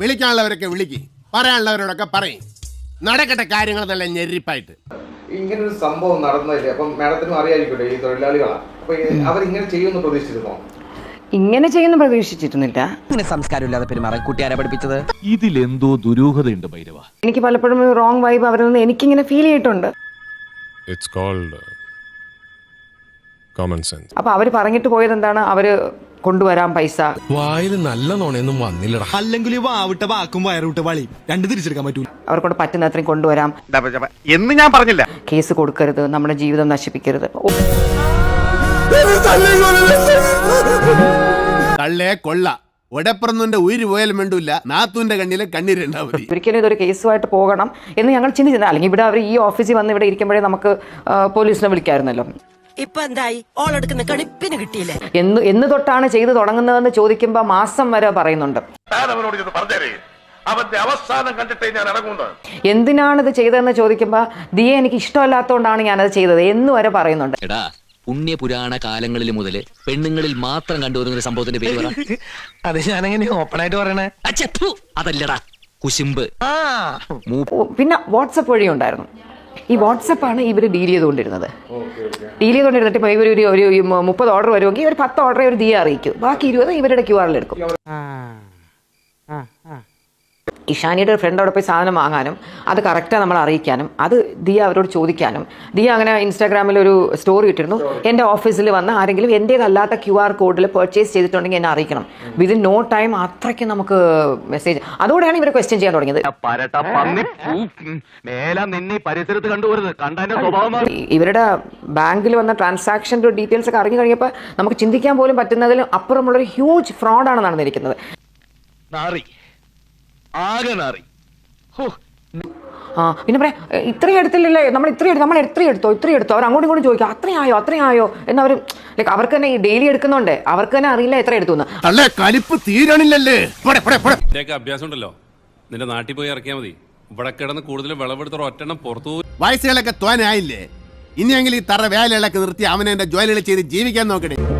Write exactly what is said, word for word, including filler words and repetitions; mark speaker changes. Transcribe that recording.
Speaker 1: വിളിക്കാനുള്ളവരൊക്കെ വിളിക്ക്, പറയാനുള്ളവരോടൊക്കെ പറയും. നടക്കട്ടെ കാര്യങ്ങൾ നല്ല ഞെരിപ്പായിട്ട്.
Speaker 2: ഇങ്ങനൊരു സംഭവം നടന്നില്ലേ, അപ്പം മാഡത്തിനും അറിയായിരിക്കട്ടെ ഈ തൊഴിലാളികളാണ്, അപ്പൊ അവരിങ്ങനെ ചെയ്യുമെന്ന് പ്രതീക്ഷിച്ചിരുന്നോ?
Speaker 3: ഇങ്ങനെ ചെയ്യുന്ന പ്രതീക്ഷിച്ചിരുന്നില്ല.
Speaker 4: ഇങ്ങനെ സംസ്കാരമില്ലാതെ പെരുമാറാൻ കുട്ടിയാരെ പഠിപ്പിച്ചത്?
Speaker 5: ഇതിലെന്തോ ദുരൂഹതയുണ്ട് ഭൈരവ.
Speaker 3: എനിക്ക് പലപ്പോഴും റോങ് വൈബ് അവരിൽ നിന്ന് എനിക്കിങ്ങനെ ഫീൽ ചെയ്തിട്ടുണ്ട്.
Speaker 6: It's called common sense.
Speaker 3: അപ്പൊ അവര് പറഞ്ഞിട്ട് പോയത് എന്താണ്, അവര് കൊണ്ടുവരാം പൈസ.
Speaker 7: വായിൽ നല്ല നോണയൊന്നും വന്നില്ലടാ.
Speaker 8: അല്ലെങ്കിൽ വാവിട്ട വാക്കും വയറുവിട്ട വളി രണ്ട് തിരിച്ചെടുക്കാൻ പറ്റൂല.
Speaker 3: അവർക്കൊണ്ട് പറ്റുന്ന അത്രയും കൊണ്ടുവരാം
Speaker 9: എന്ന് ഞാൻ പറഞ്ഞില്ല.
Speaker 3: കേസ് കൊടുക്കരുത്, നമ്മുടെ ജീവിതം നശിപ്പിക്കരുത്.
Speaker 1: കള്ളേ കൊള്ള ഒടപ്പുറന്നുന്റെ ഉയിര് പോയാലും വേണ്ടൂല്ല, നാത്തൂന്റെ കണ്ണിലെ കണ്ണീരുണ്ടാവും.
Speaker 3: ഒരിക്കലും ഇതൊരു കേസുമായിട്ട് പോകണം എന്ന് ഞങ്ങൾ ചിന്തിച്ചില്ല. അല്ലെങ്കിൽ ഇവിടെ അവർ ഈ ഓഫീസിൽ വന്ന് ഇവിടെ ഇരിക്കുമ്പോഴേ നമുക്ക് പോലീസിനെ വിളിക്കായിരുന്നല്ലോ.
Speaker 4: ഇപ്പൊ എന്തായി? ഓളെടുക്കുന്ന കണിപ്പിന് കിട്ടിയില്ലേ?
Speaker 3: എന്ന് എന്ന് തൊട്ടാണ് ചെയ്തു തുടങ്ങുന്നതെന്ന് ചോദിക്കുമ്പോ മാസം വരെ പറയുന്നുണ്ട്. എന്തിനാണ് ഇത് ചെയ്തതെന്ന് ചോദിക്കുമ്പോ ദിയെ എനിക്ക് ഇഷ്ടമല്ലാത്തതുകൊണ്ടാണ് ഞാനത് ചെയ്തത് എന്ന് വരെ പറയുന്നുണ്ട്.
Speaker 10: പുണ്യപുരാണ കാലങ്ങളിൽ മുതൽ പെണ്ണുങ്ങളിൽ മാത്രം കണ്ടുവരുന്ന ഒരു സംഭവത്തിന്റെ പേര് പറ.
Speaker 4: അത് ഞാനെങ്ങനെ ഓപ്പൺ ആയിട്ട് പറയണേ?
Speaker 10: അതല്ലടാ കുശുമ്പ്.
Speaker 3: പിന്നെ വാട്സപ്പ് വഴി ഉണ്ടായിരുന്നു. ഈ വാട്സപ്പാണ് ഇവർ ഡീൽ ചെയ്തുകൊണ്ടിരുന്നത്. ഡീൽ ചെയ്തുകൊണ്ടിരുന്നിട്ട് ഇപ്പോൾ ഇവർ ഒരു ഒരു മുപ്പത് ഓർഡർ വരുമെങ്കിൽ ഒരു പത്ത് ഓർഡർ ഒരു ദിയെ അറിയിക്കും, ബാക്കി ഇരുപത് ഇവരുടെ ക്യു ആറിൽ എടുക്കും. ഇഷാനിയുടെ ഒരു ഫ്രണ്ട് അവിടെ പോയി സാധനം വാങ്ങാനും അത് കറക്റ്റാണ് നമ്മൾ അറിയിക്കാനും അത് ദിയ അവരോട് ചോദിക്കാനും. ദിയ അങ്ങനെ ഇൻസ്റ്റാഗ്രാമിൽ ഒരു സ്റ്റോറി ഇട്ടിരുന്നു, എൻ്റെ ഓഫീസിൽ വന്ന് ആരെങ്കിലും എൻ്റേതല്ലാത്ത ക്യു ആർ കോഡിൽ പർച്ചേസ് ചെയ്തിട്ടുണ്ടെങ്കിൽ എന്നെ അറിയിക്കണം. വിതിൻ നോ ടൈം അത്രയ്ക്ക് നമുക്ക് മെസ്സേജ്. അതോടെയാണ് ഇവർ ക്വസ്റ്റ്യൻ ചെയ്യാൻ തുടങ്ങിയത്. ഇവരുടെ ബാങ്കിൽ വന്ന ട്രാൻസാക്ഷൻ്റെ ഡീറ്റെയിൽസ് ഒക്കെ അറിഞ്ഞു കഴിഞ്ഞപ്പോൾ നമുക്ക് ചിന്തിക്കാൻ പോലും പറ്റുന്നതിലും അപ്പുറമുള്ളൊരു ഹ്യൂജ് ഫ്രോഡാണ് നടന്നിരിക്കുന്നത്. ആ പിന്നെ പറയാം, ഇത്രയും എടുത്തില്ലല്ലേ, നമ്മൾ ഇത്രയും എടുത്തു, നമ്മൾ എത്രയും എടുത്തോ ഇത്രയും എടുത്തോ. അവർ അങ്ങോട്ടും ഇങ്ങോട്ടും ചോദിക്കും അത്രയായോ അത്രയായോ എന്നവർ ലൈക്ക് അവർക്ക് തന്നെ ഈ ഡെയിലി എടുക്കുന്നുണ്ട്, അവർക്ക് തന്നെ അറിയില്ല എത്ര എടുത്തു എന്ന്.
Speaker 1: കലിപ്പ് തീരണില്ലല്ലേ.
Speaker 11: അഭ്യാസം ഉണ്ടല്ലോ, നിന്റെ നാട്ടിൽ പോയി ഇറക്കിയാൽ മതി. ഇവിടെ കിടന്ന് കൂടുതൽ വിളവെടുത്ത ഒറ്റെണ്ണം പുറത്തു.
Speaker 1: വയസ്സുകളൊക്കെ തോനായില്ലേ, ഇനിയെങ്കിലും ഈ തറ വേലകളൊക്കെ നിർത്തി അവനെ എന്റെ ജോലികൾ ചെയ്ത് ജീവിക്കാൻ നോക്കണേ.